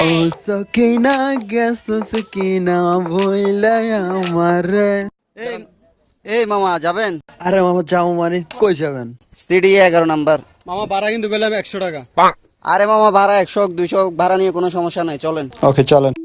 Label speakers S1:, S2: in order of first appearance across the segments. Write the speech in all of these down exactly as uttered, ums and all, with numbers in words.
S1: ও সকিনা গেছো সকিনা ভইলা আমারে।
S2: এই এই মামা যাবেন?
S1: আরে মামা যাও মানে কই যাবেন?
S2: সিডি এগারো নাম্বার।
S3: মামা ভাড়া কিন্তু গেলাম একশো টাকা।
S2: আরে মামা ভাড়া একশো দুইশো ভাড়া নিয়ে কোনো সমস্যা নাই, চলেন।
S1: ওকে চলেন।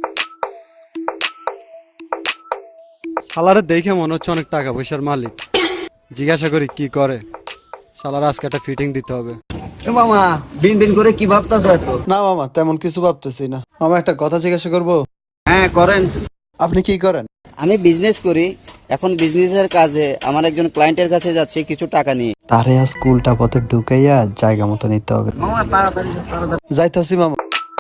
S3: শালারে দেখে মনে হচ্ছে অনেক টাকা পয়সার মালিক। জিজ্ঞাসা করি কি করে। শালার আজকে একটা ফিটিং দিতে হবে।
S2: এ মামা বিন বিন করে কি ভাবতাছো এত?
S1: না মামা তেমন কিছু ভাবতেছি না। মামা একটা কথা জিজ্ঞাসা করবো?
S2: হ্যাঁ করেন।
S1: আপনি কি করেন?
S2: আমি বিজনেস করি। এখন বিজনেসের কাজে আমার একজন ক্লায়েন্টের কাছে যাচ্ছে কিছু টাকা নিয়ে।
S1: তারে আজ স্কুলটা পথে ঢুকাইয়া জায়গা মতো নিতে হবে।
S2: মামা তাড়াতাড়ি তাড়াতাড়ি।
S1: যাইতাছি মামা।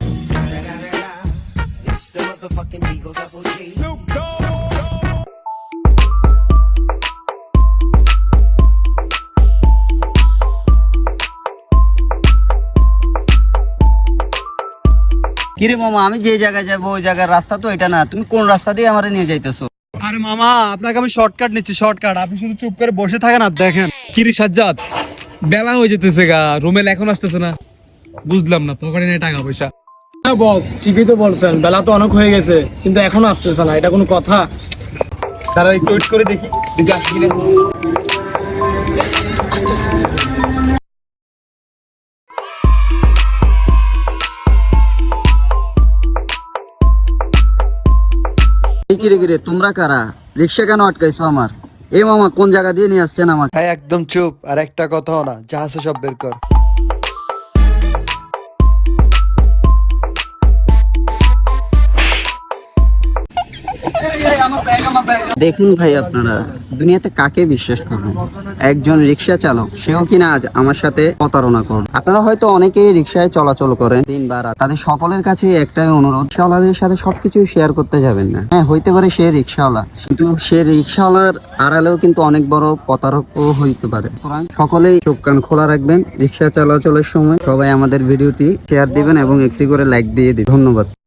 S2: কিরে মামা, আমি যে জায়গায় যাবো ওই জায়গার রাস্তা তো এটা না, তুমি কোন রাস্তা দিয়ে আমারে নিয়ে যাইতেছো?
S3: আরে মামা আপনাকে আমি শর্টকাট নিচ্ছি, শর্টকাট। আপনি শুধু চুপ করে বসে থাকেন আর দেখেন।
S4: কিরে সাজ্জাদ, বেলা হয়ে যেতেছে গা, রুমেল এখন আসতেছে না, বুঝলাম না পকেটে নেই টাকা পয়সা।
S5: হ্যাঁ বস, ঠিকই তো বলছেন, বেলা তো অনেক হয়ে গেছে কিন্তু এখনো আসতেছে না, এটা কোনো কথা?
S4: তারা একটু ওয়েট করে দেখি দেখি আসি কিনা।
S2: এই কিরে কিরে তোমরা কারা? রিক্সা কেন আটকাইছো আমার? এ মামা কোন জায়গা দিয়ে নিয়ে আসছেন আমাকে?
S1: হ্যাঁ একদম চুপ, আর একটা কথাও না, যা আছে সব বের কর।
S2: দেখুন ভাই, আপনারা দুনিয়াতে কাকে বিশ্বাস করবেন? একজন রিক্সা চালক, সেও কিনা আজ আমার সাথে প্রতারণা করবে। আপনারা হয়তো অনেকেই রিক্সায় চলাচল করেন দিন বা রাত, তাদের সকলের কাছে একটাই অনুরোধ, রিক্সাওয়ালাদের সাথে সবকিছু শেয়ার করতে যাবেন না। হ্যাঁ হইতে পারে সে রিক্সাওয়ালা, কিন্তু সে রিক্সাওয়ালার আড়ালেও কিন্তু অনেক বড় প্রতারকও হইতে পারে। সুতরাং সকলেই চোখ কান খোলা রাখবেন রিক্সা চলাচলের সময়। সবাই আমাদের ভিডিওটি শেয়ার দিবেন এবং একটি করে লাইক দিয়ে দিন। ধন্যবাদ।